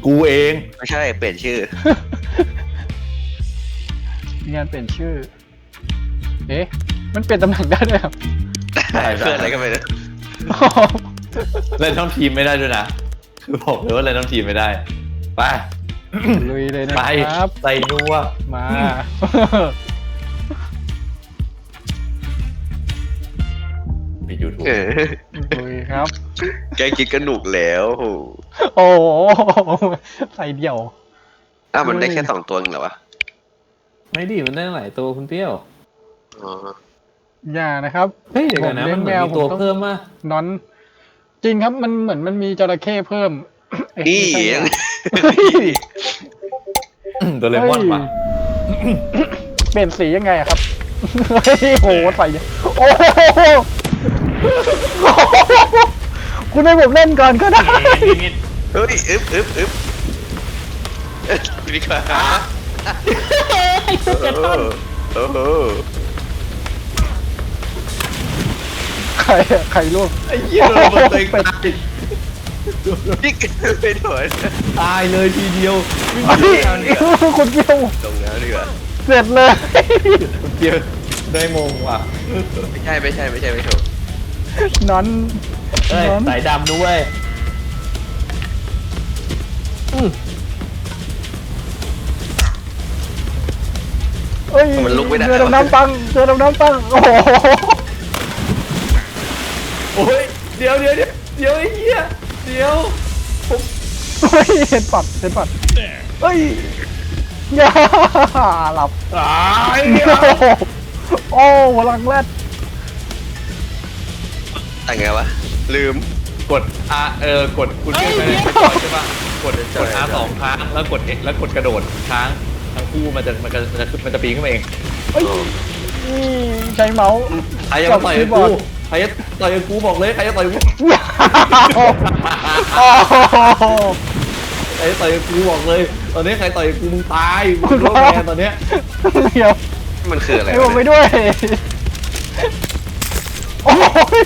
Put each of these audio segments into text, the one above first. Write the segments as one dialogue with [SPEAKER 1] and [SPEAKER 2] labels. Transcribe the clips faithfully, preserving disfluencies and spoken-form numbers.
[SPEAKER 1] กูเอง
[SPEAKER 2] ไม่ใช่เปลี่ยนชื่อ
[SPEAKER 3] มีงานเปลี่ยนชื่อเอ๊ะมันเปลี่ยนตำแหน่งได้ด้วยครับ
[SPEAKER 2] เพื่อนอะไรก็ไม่รู้
[SPEAKER 1] เล่นทั้งทีมไม่ได้ด้วยนะคือบอกเลยว่าเล่นทั้งทีมไม่ได้ไป
[SPEAKER 3] ลุยเลยนะ
[SPEAKER 1] ไป
[SPEAKER 3] ครับ
[SPEAKER 1] ใส่นัว
[SPEAKER 3] มา
[SPEAKER 1] มียูทูบ
[SPEAKER 2] เออ
[SPEAKER 3] ลุยครับ
[SPEAKER 2] แกคิดก็หนุกแล้วโห
[SPEAKER 3] โอ้โหใส่เดี่ยว
[SPEAKER 2] อ้าวมันได้แค่สองตัวเองเหรอวะ
[SPEAKER 1] ไม่ดีมันได้หลายตัวคุณเปรี้ยว
[SPEAKER 2] อ๋อ
[SPEAKER 3] อย่านะครับ
[SPEAKER 1] เฮ้ยเดี๋ยวก่อนนะมันเหมือนมีตัวเพิ่มมา
[SPEAKER 3] นอนจริงครับมันเหมือนมันมีจระเข้เพิ่มเอ๊ะ
[SPEAKER 2] นี่
[SPEAKER 3] ไม่ใช่
[SPEAKER 2] ยัง
[SPEAKER 3] เฮ้ย
[SPEAKER 1] โดเรมอนปะ
[SPEAKER 3] เปลี่ยนสียังไงอะครับเฮ้ยโหใส่โอ้โหคุณให้ผมเล่นก่อนก็ได้
[SPEAKER 2] เฮ้ยอึ๊บอึ๊บอึ๊บเอ้ยดีกว่าโอ้โห
[SPEAKER 3] ใครอะใครลูก
[SPEAKER 1] ไอ้เหี้ยโดนตัวเองตาย
[SPEAKER 2] นี่ไปถอย
[SPEAKER 1] ตายเลยทีเดียว
[SPEAKER 3] คุณเกียว
[SPEAKER 2] ตรงนั้นดีกว่า
[SPEAKER 3] เสร็จเลย
[SPEAKER 1] คุณเปรี้ยวได้มงว่ะ
[SPEAKER 2] ไม่ใช่ไม่ใช่ไม่ใช่ไม่ถูก
[SPEAKER 3] นอน
[SPEAKER 1] เฮ้ย
[SPEAKER 3] นอน
[SPEAKER 1] สายดำด้วยอืม
[SPEAKER 3] เอ้ย
[SPEAKER 2] มันลุกไม่ได้
[SPEAKER 3] เจอดำน้ำปังเจอดำน้ำปังโอ้โห
[SPEAKER 1] โอ้ยเดี๋ยวเดี๋ยวเดี๋ยวเดี๋ยวไอ้เหี้ยเดี๋ยว
[SPEAKER 3] เฮ้ยเห็นปัดเห็นปัดเฮ้ยอย่าหลับ
[SPEAKER 1] ตาย
[SPEAKER 3] โอ้พลังแรด
[SPEAKER 2] แต่ไงวะลืม
[SPEAKER 1] กด R เออกดคุณเชื่อไหมใช่ปะกดกด R สองครั้งแล้วกด X แล้วกดกระโดดค้างทั้งคู่มันจะมันจะมันจะมันจะปีนขึ้นมาเอง
[SPEAKER 3] เฮ้ยนี่ใช้เมาส์
[SPEAKER 1] ใครจะมาต่อยกับกูใครจะต่อยกับกูบอกเลยใครจะต่อยกับกู
[SPEAKER 3] โอ้โห
[SPEAKER 1] ใครจะต่อยกับกูบอกเลย ตอนนี้ใครต่อยกับกูมึงตายมึงโดนแบนตอนเนี้ย
[SPEAKER 3] เดี๋ยว
[SPEAKER 2] มันคืออะไร
[SPEAKER 3] ให้ผม
[SPEAKER 2] วะ
[SPEAKER 3] ไป
[SPEAKER 2] เนี่ย
[SPEAKER 3] ด้วยโอ้ย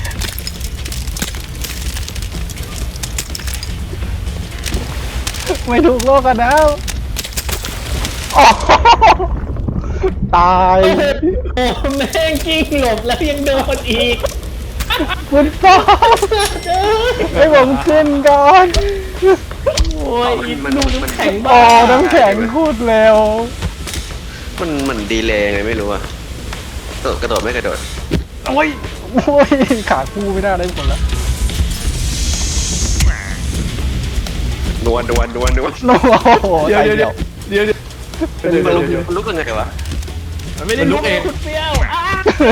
[SPEAKER 3] ไม่ถูกโลกกันแล้วโอ้โหตาย
[SPEAKER 4] โอ้แม่งกิ้งหลบแล้วยังโดนอีก
[SPEAKER 3] คุณป้าให้ผมขึ้นก่อน
[SPEAKER 4] โอ้ยอีกลูกน้ำแข็ง
[SPEAKER 3] อ๋
[SPEAKER 4] บ้า
[SPEAKER 3] อน้ำแข็งพูดเร็ว
[SPEAKER 2] มันมันดีเลยไงไม่รู้อะกระโดดกระโดดไม่กระโดด
[SPEAKER 3] โอ้ยโอ้ยขาคู่ไม่ได้ได้ผลแล้ว
[SPEAKER 2] ดวนดวนดวนดวน
[SPEAKER 3] โอ้โห
[SPEAKER 1] เดี๋ยว
[SPEAKER 3] ใจ
[SPEAKER 1] เดี๋ยว
[SPEAKER 3] เดี
[SPEAKER 1] เดี๋
[SPEAKER 3] ย
[SPEAKER 1] ยว วเดี๋ยวเดี๋ยว
[SPEAKER 2] มัน
[SPEAKER 1] เดี๋ยว
[SPEAKER 2] ลุก
[SPEAKER 1] เดี๋ยว
[SPEAKER 2] มันลุกยังไงวะ
[SPEAKER 1] มันไม่ได้ลุกเอง
[SPEAKER 4] คุณเปรี้ยวอ้า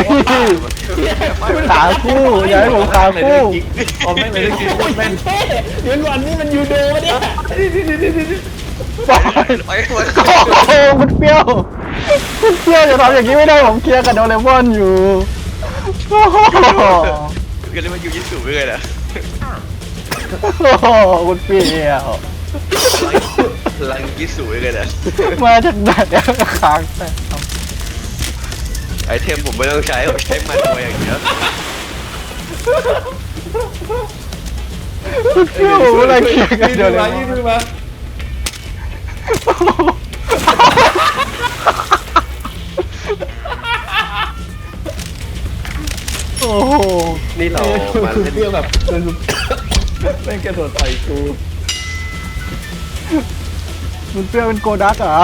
[SPEAKER 3] ขาคู่อย่าให้ผมขาคู่
[SPEAKER 1] เอาแม่งเลยได้กินโคตรแม่ง
[SPEAKER 4] เฮ้ยเดี๋ยวก่อนนี่มันยูโดปะเนี่ย
[SPEAKER 3] ปล่อย
[SPEAKER 2] ไปไป
[SPEAKER 3] โอ้โหคุณเปรี้ยวคุณเปรี้ยวจะทำอย่างนี้ไม่ได้ผมเคลียร์กับโดเรมอนอยู่โอ้โห
[SPEAKER 2] กันเลยมันอยู่ยิสูไปเลยนะ
[SPEAKER 3] โอ้โหคุณเปรี้ยว
[SPEAKER 2] ลังยิสูไปเลยนะ
[SPEAKER 3] มาจากไหนเนี่ยค้างแต่
[SPEAKER 2] ไอเทมผมไม่ต้องใช้ผมใช้มันตัวอย่างเดียว
[SPEAKER 3] คุณเปรี้ยวผมอะไรเคลียร์กับ
[SPEAKER 1] ยื
[SPEAKER 3] โด
[SPEAKER 1] ด
[SPEAKER 3] เร
[SPEAKER 1] มาม
[SPEAKER 3] อ
[SPEAKER 1] ยื
[SPEAKER 3] น
[SPEAKER 1] ดมา
[SPEAKER 3] โอ้โห
[SPEAKER 2] นี่เรามา
[SPEAKER 1] คือ
[SPEAKER 2] เล่น
[SPEAKER 1] เปรี้ยวแบบแม่งกระโดดต่อยกู
[SPEAKER 3] คุณเปรี้ยวเป็นโกดักเหรอ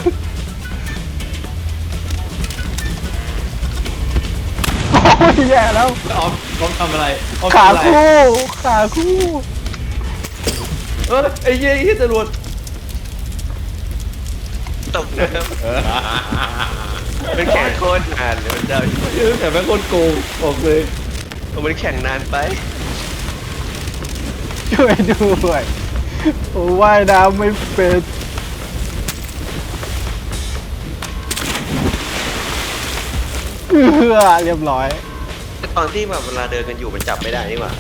[SPEAKER 3] โอ้ยแย่แล้ว
[SPEAKER 1] ออฟออฟทำอะไรออฟ
[SPEAKER 3] ขา
[SPEAKER 1] ทำอะไร
[SPEAKER 3] คู่ขาคู่
[SPEAKER 1] เออไอ้เหี้ยไอ้เหี้ยจรวด
[SPEAKER 2] ตกน้ำเป็นแข่งโคตรนานเลยมันเจ้า
[SPEAKER 1] เออแต่แม่งโคตรโกงบอกเลย
[SPEAKER 2] มันแข่งนานไป
[SPEAKER 3] ช่วยด้วยโอ้ว่ายน้ำไม่เป็นเออเรียบร้อย
[SPEAKER 2] ตอนที่แบบเวลาเดินกันอยู่มันจับไม่ได้นี่หว่า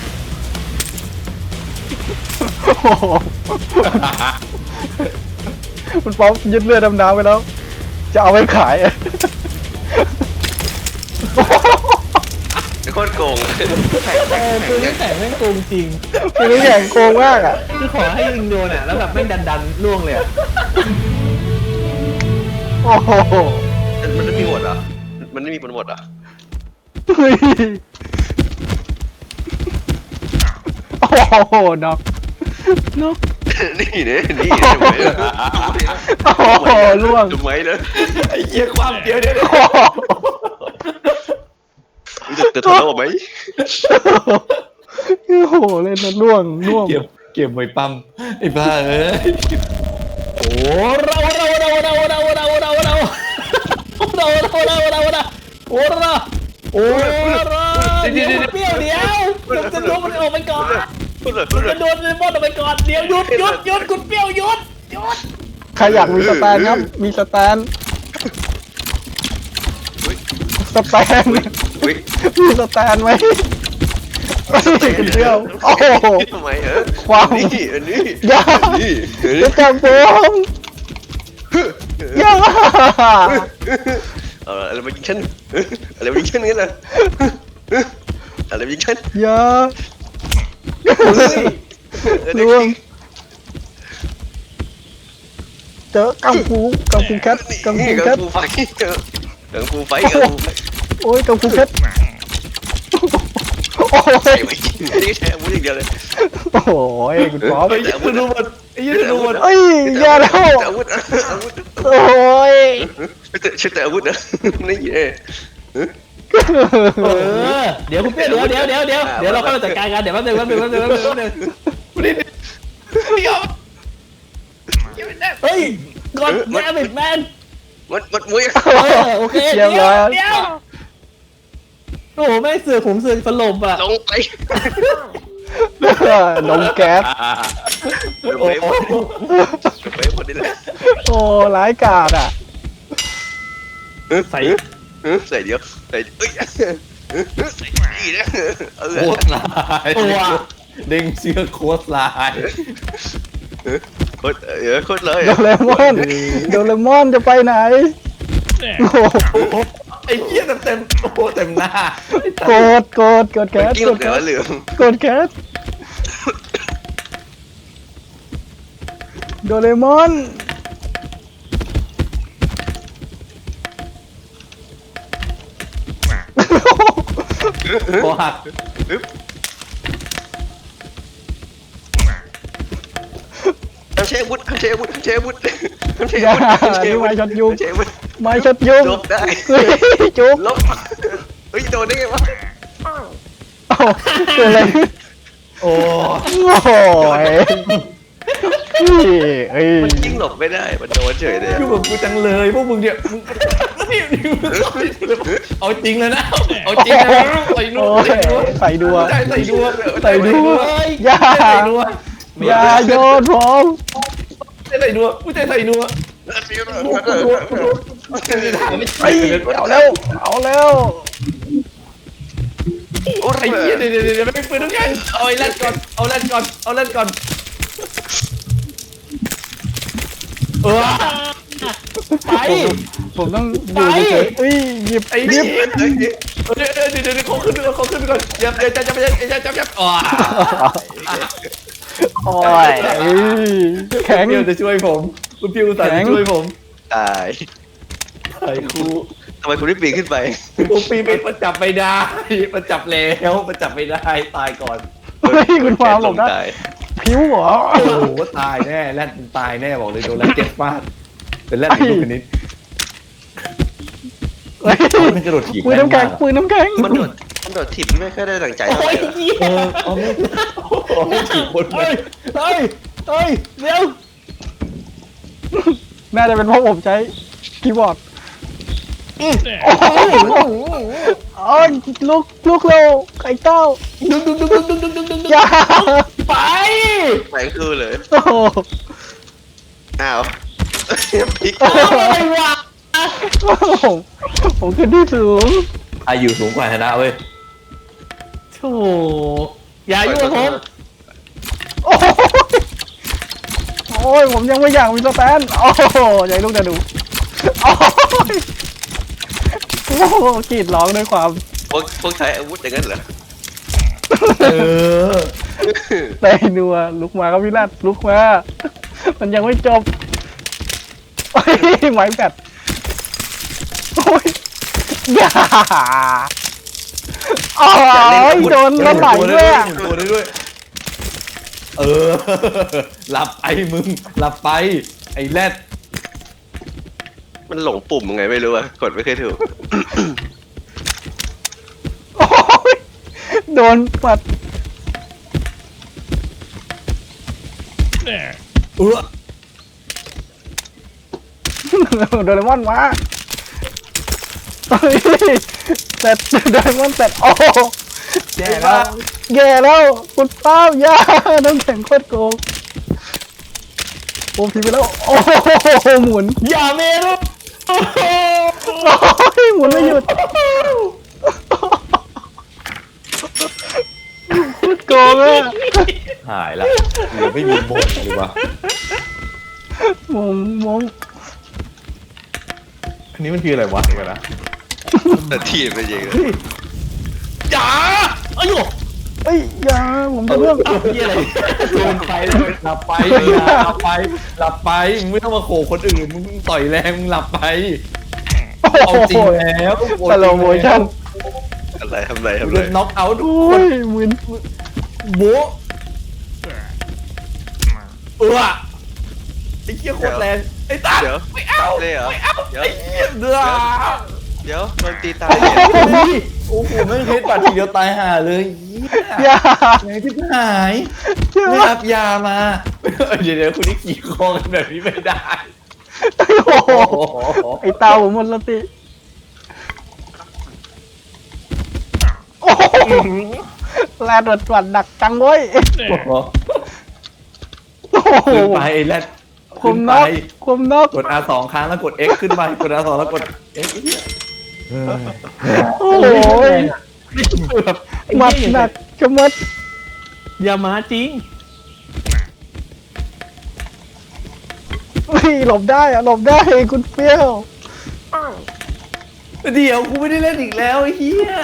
[SPEAKER 3] โอ้โหคุณป๊อปยึดเรือดำน้ำไปแล้ว จะเอาไปขายอะ
[SPEAKER 2] เดี๋ยวโคตรโกง
[SPEAKER 4] เออปืนน้ำแข็งแม่งโกงจริง
[SPEAKER 3] คือน้ำแข็งโกงมากอ่ะ
[SPEAKER 4] คือขอให้ยิงโดนอ่ะแล้วแบบแม่งดันดันๆล่วงเลยอะ
[SPEAKER 3] โอ้โห
[SPEAKER 2] มันไม่มีหมดเหรอมันไม่มีหมดเหรอ
[SPEAKER 3] เฮ้ยโอ้โหน็อกน็อก
[SPEAKER 2] นี่เนี่ยนี่ทำไมล่ะ
[SPEAKER 3] โอ้โหล่วง
[SPEAKER 2] ทำไมล่ะ
[SPEAKER 1] ไอ้เหี้ยความเดียวเดียว
[SPEAKER 3] โอ้โห
[SPEAKER 2] จะจะทะเลาะไหม
[SPEAKER 3] โอ้โหเล่นแล้วล่วงล่วง
[SPEAKER 1] เก็บเก็บไว้ปั๊มไอ้บ้าเอ้ย
[SPEAKER 4] โอ้เราเราเราเราเราเราเราเราเราเราเราเราเราเราเราโอ้เราโอ้เราเดี๋ยวเปรี้ยวเดี๋ยวมันจะโดนมันออกไปก่อน
[SPEAKER 2] พูดเลยพู
[SPEAKER 4] มั
[SPEAKER 2] ด
[SPEAKER 4] น
[SPEAKER 2] เล
[SPEAKER 4] จะ
[SPEAKER 2] ย
[SPEAKER 4] โดนเลมอนออกไปก่อนเดี๋ยวหยุดหยุดหยุดคุณเปรี้ยวหยุดหยุด
[SPEAKER 3] ใครอยากมีสแตนครับมีสแตนสแตน
[SPEAKER 2] อุ้ย
[SPEAKER 3] มีสแตนไหมไม่คุณเดียวโอ้โห
[SPEAKER 2] ทำไมเหรอ
[SPEAKER 3] ความ
[SPEAKER 2] นี่อันนี้
[SPEAKER 3] อย่า
[SPEAKER 2] นี่อัน
[SPEAKER 3] จะ
[SPEAKER 2] นี้
[SPEAKER 3] จับผมอย่า
[SPEAKER 2] เอาอะไรมายิงฉันอะไรมายิงฉันงั้นเหรออะไรมายิงฉัน
[SPEAKER 3] อย่าล่วงเจอกังฟูกังฟูแคทกังฟู
[SPEAKER 2] นี่
[SPEAKER 3] แค
[SPEAKER 2] กั
[SPEAKER 3] ท
[SPEAKER 2] งฟูไฟกังฟูไฟกังฟูไฟ
[SPEAKER 3] โอ้ยกังฟูแคทโอ้
[SPEAKER 2] ใส่
[SPEAKER 3] ย
[SPEAKER 2] ไปยิงนี่แค่มุ้งอย่างเดียวเลย
[SPEAKER 3] โอ้โหคุณป๊อป
[SPEAKER 1] ไอ้เหี้ยจะรู้หมดไอ้เหี้ยจะรู้หมด
[SPEAKER 3] เอ้ยอย่าแล้ว
[SPEAKER 2] อาวุธอาวุธ
[SPEAKER 3] โอ้ย
[SPEAKER 2] ใช้แต่อาวุธนะนี่เอ
[SPEAKER 4] เออเดี๋ยวคุณเปรี้ยวเดี๋ยวเดี๋ยวเดี๋ยวเดี๋ยวเดี๋ยวเราเข้ามาจัดการกันเดี๋ยวแป๊บนึงแป๊บนึงแป๊บนึงแป๊บนึงแป๊บนึง เฮ้ยกดแมนแมน
[SPEAKER 2] มันมันมุ้ย
[SPEAKER 4] เออโอเคเดี๋ยวเดี๋ยวโอ้โหแม่เสือผมเสือสลบอ่ะ
[SPEAKER 2] ลงไป
[SPEAKER 3] นมแก๊ส
[SPEAKER 2] ลงไปหมดลงไปหมดนี่แหละ
[SPEAKER 3] โอ้ร้ายกาจอ่ะ
[SPEAKER 2] ใส่ใส่เดียวใส่เอ้ยใส่ดีนะเออ
[SPEAKER 1] โคตรลายเด้งเชือกโคตรลาย
[SPEAKER 2] โคตรเออโคตรเลย
[SPEAKER 3] โดเรมอนโดเรมอนจะไปไหนโอ้โห
[SPEAKER 1] ไอ้เหี้ยเต็มเต็มโอ้โหเต็มหน้า
[SPEAKER 3] โกดโกดโกดแก๊ส
[SPEAKER 2] กิ้ง
[SPEAKER 3] โก
[SPEAKER 2] ล
[SPEAKER 3] ด
[SPEAKER 2] งเหลื
[SPEAKER 3] แก๊
[SPEAKER 2] อ
[SPEAKER 3] ส
[SPEAKER 2] เหลือง
[SPEAKER 3] โกดแก๊สโดเรมอน
[SPEAKER 1] คอหัก
[SPEAKER 2] ทำเชฟวุฒิทำเชฟวุฒิทำเชฟวุฒิทำเชฟ
[SPEAKER 3] อย่า
[SPEAKER 2] วุฒิ
[SPEAKER 3] นี่ไม้ช็อตยุง
[SPEAKER 2] เชฟวุฒิ
[SPEAKER 3] ไม้ช็อตยุง
[SPEAKER 2] ลบได้
[SPEAKER 3] เฮ้ยจุ๊บ
[SPEAKER 2] ลบเฮ้ยโดนได้ไงวะ
[SPEAKER 3] เอ้าเกิดอะไรขึ้น
[SPEAKER 1] โอ้
[SPEAKER 3] โอ้โหนี่เอ้ย
[SPEAKER 2] มันยิงหลบไม่ได้มันโดนเฉยเลย
[SPEAKER 1] คือแบบกูจังเลยพวกมึงเนี่ยมึงเอาจริงเลยนะเอาจริงนะใส่นู่
[SPEAKER 3] โอ้
[SPEAKER 1] น
[SPEAKER 3] ยใส่ดัว
[SPEAKER 1] ใส่ใส่ดัว
[SPEAKER 3] ใส่ดัวอย่า
[SPEAKER 1] ใส่ดัว
[SPEAKER 3] อย่าโยนผม
[SPEAKER 1] ใส่ดัวกูจะใส่ดัว
[SPEAKER 3] ไอ้เอาแล้วเอาแล้ว
[SPEAKER 2] โอ้
[SPEAKER 1] ไอ้
[SPEAKER 2] ย
[SPEAKER 1] เหี้ยเดี๋ยวเดี๋ยวเดี๋ยวไม่ปืนทุกอย่างเอาไอ้แรดก่อนเอาแรดก่อนเอาแรดก่อนเออ
[SPEAKER 4] ไป
[SPEAKER 3] ผมต้องอยู่เฉยๆอุ้ยหยิบ
[SPEAKER 1] ไอ้
[SPEAKER 3] ห
[SPEAKER 1] เหี้
[SPEAKER 3] ยิ
[SPEAKER 1] ย
[SPEAKER 3] บ
[SPEAKER 1] เดี๋ยวเดี๋ยวเดี๋ยวเดี๋ยวเขาขึ้นเขาขึ้นก่อนอย่าอย่าจับจับจับจับจับอ๋อ
[SPEAKER 3] โอ้ยแข็ง
[SPEAKER 1] พี่จะช่วยผมคุณพี่อุตส่าห์จะช่วยผม
[SPEAKER 2] ตาย
[SPEAKER 1] ไอ้ครู
[SPEAKER 2] ทำไมคุณไม่ปีนขึ้นไป
[SPEAKER 1] กูปีไปมันจับไม่ได้มันจับแล้วมันจับไม่ได้ตายก่อน
[SPEAKER 3] เฮ้ยคุณฟ้าบอกนะ
[SPEAKER 2] ตาย
[SPEAKER 3] ผิวเหรอ
[SPEAKER 1] โอ้โหตายแน่แรดมันตายแน่บอกเลยโดนแรดเจ็บฟาดเป็นแรดอีกลูกนิด
[SPEAKER 3] เฮ้ย
[SPEAKER 1] มันกระโดดถีบ
[SPEAKER 3] ปืนน้ำแข็งปืนน้ำแข็ง
[SPEAKER 2] มันโดดมันโดดถีบไม่ค่อยได้ดังใจเท่า
[SPEAKER 4] โอ้
[SPEAKER 2] ไห
[SPEAKER 4] ย
[SPEAKER 2] ร่
[SPEAKER 4] เหี้ย
[SPEAKER 1] เออเอาไม่เอาไม่ถีบคน
[SPEAKER 4] เฮ้ยเฮ้ยเฮ้ยเดี๋ยว
[SPEAKER 3] น่าจะเป็นเพราะผมใช้คีย์บอร์ดโอ้โหอ๋อลูกลูกเราไข่เต้า
[SPEAKER 4] ดึงดึงดึงดึงดึงดึงดึงดึง
[SPEAKER 3] อย่า
[SPEAKER 4] ไป
[SPEAKER 2] ไปคือเลย
[SPEAKER 3] โอ้โห
[SPEAKER 2] อ้าวพลิก
[SPEAKER 4] อะไรวะ
[SPEAKER 3] ผมผมขึ้นที่สูง
[SPEAKER 1] อายุสูงกว่าชนะเว้ย
[SPEAKER 4] โธ่อย่ายุ่งกับผม
[SPEAKER 3] โอ้โหโอ้ยผมยังไม่อยากมีสแตนโอ้โหใหญ่ลูกจะดูโอ้ยโอ้โหกรีดร้องด้วยความ
[SPEAKER 2] พวกพวกใช้อาวุธอย่างนั้นเหรอ
[SPEAKER 4] เออ
[SPEAKER 3] แต่นัวลุกมาครับพี่รัตลุกมา มันยังไม่จบโอ้ยไม้แบตโอ้ยอย่าอ๋อโดนแล้วไหลด้วยอะ
[SPEAKER 4] ตัวได้ด้วยเออหลับไปมึงหลับไปไอ้แรด
[SPEAKER 2] มันหลงปุ่มยังไงไม่รู้อะกดไม่เคยถูก
[SPEAKER 3] โอ้ยโดนปัด
[SPEAKER 4] เออ
[SPEAKER 3] โดเรมอนมาเฮ้ยแต่โดเรมอนแต่โอ้
[SPEAKER 4] แย่แล้ว
[SPEAKER 3] แย่แล้วคุณป้าย่าน้ำแข็งโคตรโกงโอ้พีไปแล้วโอ้โหหมุน
[SPEAKER 4] อย่าเมรุโอ้โห
[SPEAKER 3] โอ้ยหมุนไม่หยุดโคตรโกงอะ
[SPEAKER 4] หายละเหลือไม่มีมงเลยวะ
[SPEAKER 3] มงมง
[SPEAKER 4] อันนี้มันคืออะไรวะเดี๋ยวก่อนนะ
[SPEAKER 2] แต่ทีมเป็นยังไง
[SPEAKER 4] อย่าอายุ
[SPEAKER 3] เอ้ยอย่าผมจะเรื่อง
[SPEAKER 4] อ้าวเหียอะไรโดนไปหลับไปอย่าหลับไปหลับไปมึงไม่ต้องมาโขกคนอื่นมึงต่อยแรงมึงหลับไปเอาจริงแล้ว
[SPEAKER 3] สโลโมชั่น
[SPEAKER 2] อะไรทำอะไรทำ
[SPEAKER 4] มึง
[SPEAKER 2] อะไร
[SPEAKER 4] จะน็อกเอาท์ทุก
[SPEAKER 3] โอ้
[SPEAKER 4] คน
[SPEAKER 3] ยหมุน
[SPEAKER 4] โบ๊ะเออไอ้เหี้ยโคตรแรงไอ้ตา
[SPEAKER 2] เดี๋ยว
[SPEAKER 4] ไม่เอา
[SPEAKER 2] เลยเหรอเดี๋ยว
[SPEAKER 4] ไอ้เหี้ยเดือด
[SPEAKER 2] เดี๋ยวโดนตีตาย
[SPEAKER 4] โอ้โหไม่เคยปัดทีเดียวตายห่าเลยเหี้ย
[SPEAKER 3] อย่า
[SPEAKER 4] ไหนที่หาย
[SPEAKER 3] อย่า
[SPEAKER 4] ไม่รับยามาเดี๋ยวเดี๋ยวคุณนี่ขี่คอกันแบบนี้ไม่ได้
[SPEAKER 3] โอ้โหไอ้ตาผมหมดสติโอ้โหแลดดวัดดักจังเว้ยโอ้โห
[SPEAKER 4] ขึ้นไปไอ้แรด
[SPEAKER 3] คุ
[SPEAKER 4] ขึ้
[SPEAKER 3] ม
[SPEAKER 4] น
[SPEAKER 3] น
[SPEAKER 4] ไป
[SPEAKER 3] กคุมนก
[SPEAKER 4] กด อาร์ สอง ครั้งแล้วกด X ขึ้นไปกด อาร์ สอง แล้วกด X
[SPEAKER 3] โอ้โหหมัดหนักจะมัด
[SPEAKER 4] อย่ามาจริง
[SPEAKER 3] เฮ้ยหลบได้อะหลบได้คุณเปรี้ยว
[SPEAKER 4] เดี๋ยวกูไม่ได้เล่นอีกแล้วไอ้เหี้ย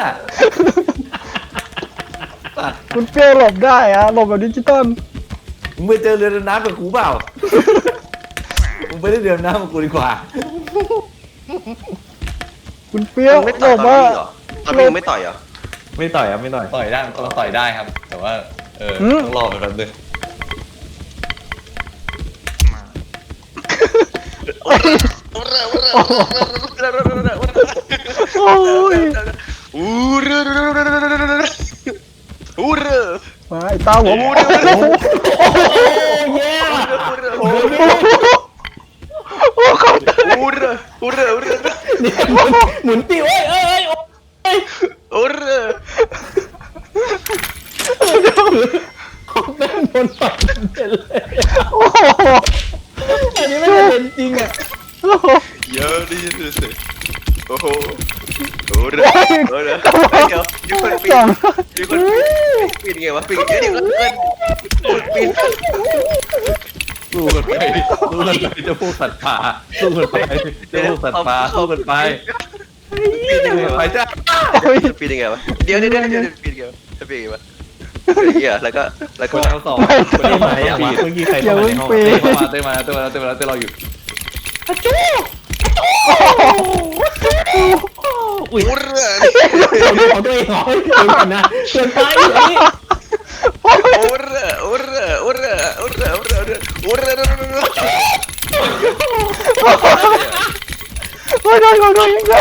[SPEAKER 3] คุณเปรี้ยวหลบได้อะหลบแบบดิจิตอล
[SPEAKER 4] มึงไปเจอเรือดำน้ำกับกูเปล่ามึงไปเล่นเรือดำน้ำกับกูดีกว่า
[SPEAKER 3] คุณเปรี้ยว
[SPEAKER 2] ไม่
[SPEAKER 3] หล
[SPEAKER 2] ต่อย
[SPEAKER 3] บ
[SPEAKER 2] ตอน
[SPEAKER 3] ว่า
[SPEAKER 2] นี้เหรอตอนนี้ยังไม่ต่อยเหรอ
[SPEAKER 4] ไม่ต่อยอ่ะไม่ต่อยต่อยได้เราต่อยได้ครับ แต่ว่าเออต้องรอไปแป๊บนึง
[SPEAKER 3] โอ้ย
[SPEAKER 2] อู้รืออู้รือ
[SPEAKER 3] มาไอ้ตาผม
[SPEAKER 2] อู้รือ
[SPEAKER 3] โอ้โห
[SPEAKER 4] เย้
[SPEAKER 2] อู้รือ
[SPEAKER 3] โอ้โห
[SPEAKER 2] อู้รืออู้รืออู้รือ
[SPEAKER 4] เนี่ยหมุนหมุนติวเอ้ยเอ้ยเอ้ย
[SPEAKER 2] อู้รือ
[SPEAKER 4] แม่งโดนต่อยเป็นเลย
[SPEAKER 3] โอ้โห
[SPEAKER 4] อันนี้ไม่เป็นจริงอ่ะ
[SPEAKER 3] โอ้โห
[SPEAKER 2] เยอะดิสิโอ้โหอู้รืออู้รือเดี๋ยวมีคนปี
[SPEAKER 3] สอน ง
[SPEAKER 2] มีคนปีนไงวะปีนเดี๋ยวเดี๋ยวปีน
[SPEAKER 4] สู้กันไปสู้กันไปจะพวกสัตว์ป่าสู้กันไปจะพวกสัตว์ป่าสู้กันไป
[SPEAKER 2] ปีนยังไง
[SPEAKER 4] ไป
[SPEAKER 2] วะ
[SPEAKER 4] จ้า
[SPEAKER 3] โอ้ย
[SPEAKER 2] ปีนยังไงวะเดี๋ยวเดี๋ยวเดี๋ยวเดี๋ยวปีนยังไงวะจะปีนยังไงวะเหี้ยแล้วก็แล้ว
[SPEAKER 4] ค
[SPEAKER 2] ก็
[SPEAKER 4] นเอาสองคนที่ไหนอ่ะเมื่อกี้ใครเข้ามาในห้องเต้เข้ามาเต้มาเต้มาเต้มาเต้รออยู่อุ้ย
[SPEAKER 2] อู้รือ
[SPEAKER 4] ของตัวเองเหรอเกินกันนะเกินไปอันนี้
[SPEAKER 2] อู้รืออู้รืออู้รืออู้รืออู้รืออู้รือ
[SPEAKER 3] โอ้ยโดนโดนโดนโดน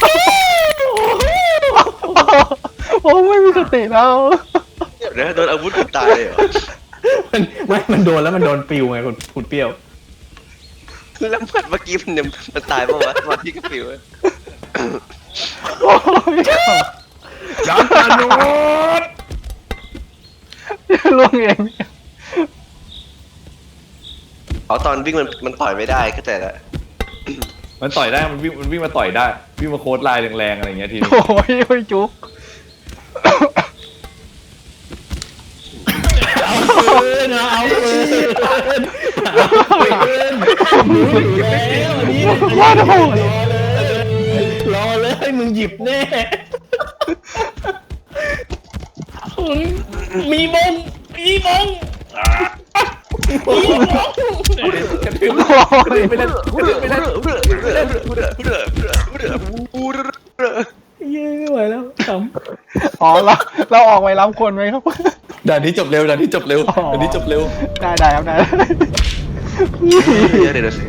[SPEAKER 3] โอ้ไม่มีสติแล้ว
[SPEAKER 2] เดี๋ยวโดนอาวุธตายเลยเหรอ
[SPEAKER 4] มันไม่มันโดนแล้วมันโดนปิวไงคุณคุณเปรี้ยว
[SPEAKER 2] แล้วมันเมื่อกี้มันยังมันตายป่าวะวันที่กระปิว
[SPEAKER 3] โอ้ย
[SPEAKER 4] ยานการโน้ต
[SPEAKER 3] ล่วงเอง
[SPEAKER 2] เอาตอนวิ่งมันมันต่อยไม่ได้ก็แต่ละ
[SPEAKER 4] มันต่อยได้มันวิ่งมันวิ่งมาต่อยได้วิ่งมาโค้ดลายแรงๆอะไรอย่างเงี้ยทีนี้
[SPEAKER 3] โอ้ยโอ้ยจุ๊บ
[SPEAKER 4] เอาคืนนะเอาคืนเอาคืนหนูอยู่แล้วอันนี้
[SPEAKER 3] ว่าโดน
[SPEAKER 4] รอเลยรอเลยมึงหยิบแน่มีมงมีมงมีมงกระทืบ
[SPEAKER 3] โอ้ย
[SPEAKER 4] ไปนั่นกระทืบไปนั่นเย้ไม่ไหวแล้วข
[SPEAKER 3] อ๋อเราเราออกไปรับคนไหมครับ
[SPEAKER 4] ำด่านนี้จบเร็วด่านนี้จบเร็วด่านนี้จบเร็ว
[SPEAKER 3] ได้ได้ครับได้
[SPEAKER 2] เดี๋ยวเดี๋ยวสิ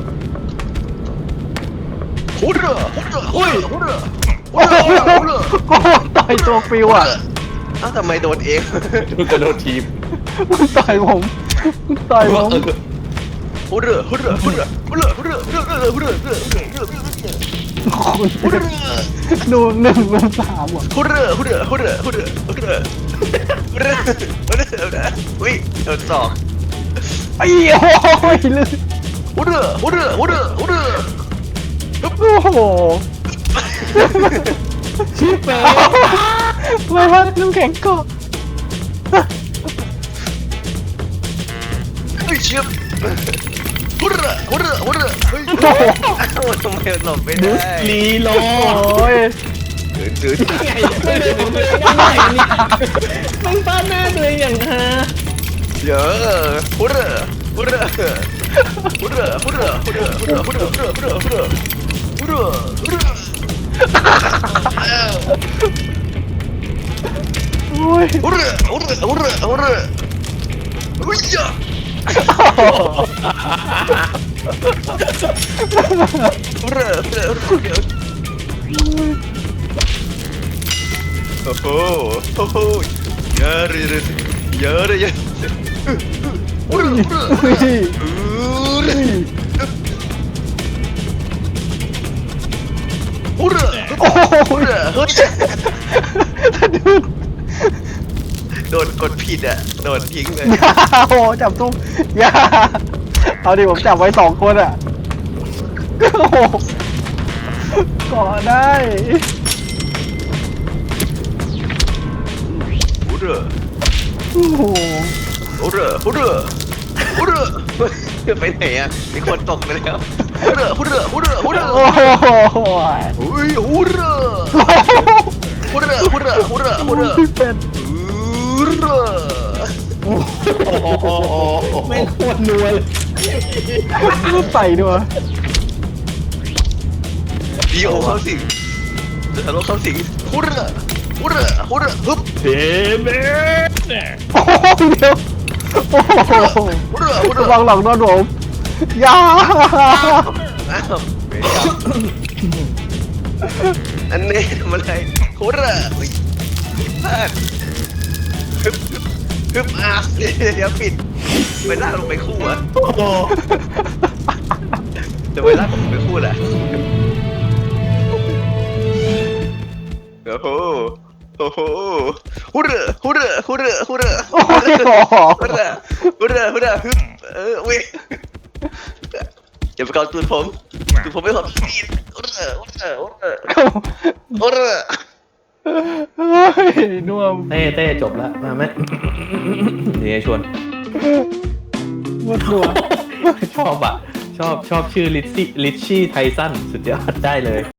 [SPEAKER 2] ฮูเรือฮูเรือฮูเรือฮูเรือ
[SPEAKER 3] โอ้โหโอ้โหต่อยตัวฟิวอ่ะ
[SPEAKER 2] อ้าวทำไมโดนเอง
[SPEAKER 4] ดูกระโดดทีม
[SPEAKER 3] มึงต่อยผมมึงต่อยผม
[SPEAKER 2] ฮูเรือฮูเรือฮูเรือฮูเรือฮูเรือฮูเรือฮูเรือฮูเรือฮูเรือฮูเรือฮูเรือ
[SPEAKER 3] ดูหนึ่งดูสามอ่ะ
[SPEAKER 2] ฮูเรือฮูเรือฮูเรือฮูเรือฮูเรือฮูเรือฮูเรืออุ้ยโดนสอง
[SPEAKER 3] ไอ้โอ้ยลึก
[SPEAKER 2] ฮูเรือฮูเรือฮูเรือฮูเรือ
[SPEAKER 3] โอ้โหชิบเป๋ไม่ว่าน้ำแข็งเกาะ
[SPEAKER 2] เฮ้ยเชียบฮูเรือฮูเรือฮูเรือเฮ้ยทำไมหลบไม่ได้
[SPEAKER 4] ลีโล
[SPEAKER 3] โอ้ย
[SPEAKER 2] ดื้อ
[SPEAKER 4] ไงไม่ได้ผมเลยง่ายนี่มันฟาดหน้าตัวเองอย่างฮา
[SPEAKER 2] เยอะฮูเรือฮูเรือฮูเรือฮูเรือฮูเรือฮูเรือฮูเรือฮูเรือฮูเรือฮูเรือฮูเรือฮูเรือ
[SPEAKER 3] โอ้ย
[SPEAKER 2] ฮูเรือฮูเรือฮูเรือฮูเรืออุ้ยอ่ะฮูเรือฮูเรือฮูเรือโอ้โหโอ้โหเยอะเลยเยอะเลยเยอะฮูเรือฮูเรือฮูเรือฮูเรือฮูเรือ
[SPEAKER 3] โอ้โห
[SPEAKER 2] ฮูเรือเฮ้ยโดนกดผิดอ่ะโดนทิ้งเลย
[SPEAKER 3] โอ้โหจับตุ้มอย่าเอาดิผมจับไว้สองคนอ่ะโอ้โหเกาะได้
[SPEAKER 2] ฮูเรือ
[SPEAKER 3] โอ้โห
[SPEAKER 2] ฮูเรือฮูเรือฮูเรือไปไหนอ่ะมีคนตกไปแล้วฮูเรือฮูเรือฮูเรือฮูเรือ
[SPEAKER 3] โอ้โห
[SPEAKER 2] อุ้ยฮูเรือฮูเรือฮูเรือฮูเรือฮูเรือ
[SPEAKER 3] พี่เป็ด
[SPEAKER 2] ฮูเรือ
[SPEAKER 4] ไม่งโคตรนัวเลย
[SPEAKER 3] ใส่ด้วย
[SPEAKER 2] ดีโอเข้าสิงทะลุเข้าสิงฮูเรือฮูเรือฮูเรือฮึบ
[SPEAKER 4] เทเบสเนี่ย
[SPEAKER 3] โอ้โหเดี๋ยวโอ้โห
[SPEAKER 2] ฮูเรือฮูเรือ
[SPEAKER 3] ระวังหลังโดนผมอย่า
[SPEAKER 2] อ้าวไม่ได้อันนี้ทำอะไรฮูเรือพลาดฮึบฮึบฮึบอ่ะเดี๋ยวปิดไปลากลงไปคู่อ่ะ
[SPEAKER 4] โอ้โห
[SPEAKER 2] จะไปลากผมไปคู่แหละโอ้โหโอ้โหฮูเรือฮูเรือฮูเรือฮูเรือ
[SPEAKER 3] โอ้โห
[SPEAKER 2] ฮูเรือฮูเรือฮูเรือฮึบเออวิ่งอย่าไปเกาตูดผมตูดผมไม่หอมดีฮูเรือฮูเรือฮูเรือฮูเรือ
[SPEAKER 3] เฮ้ยน่วม
[SPEAKER 4] เต้เต้จบแล้วมาไหมเดี๋ยวชวน
[SPEAKER 3] หมดหัว
[SPEAKER 4] ชอบอ่ะ ชอบชอบชื่อลิชชี่ลิชชี่ไทสันสุดยอดได้เลย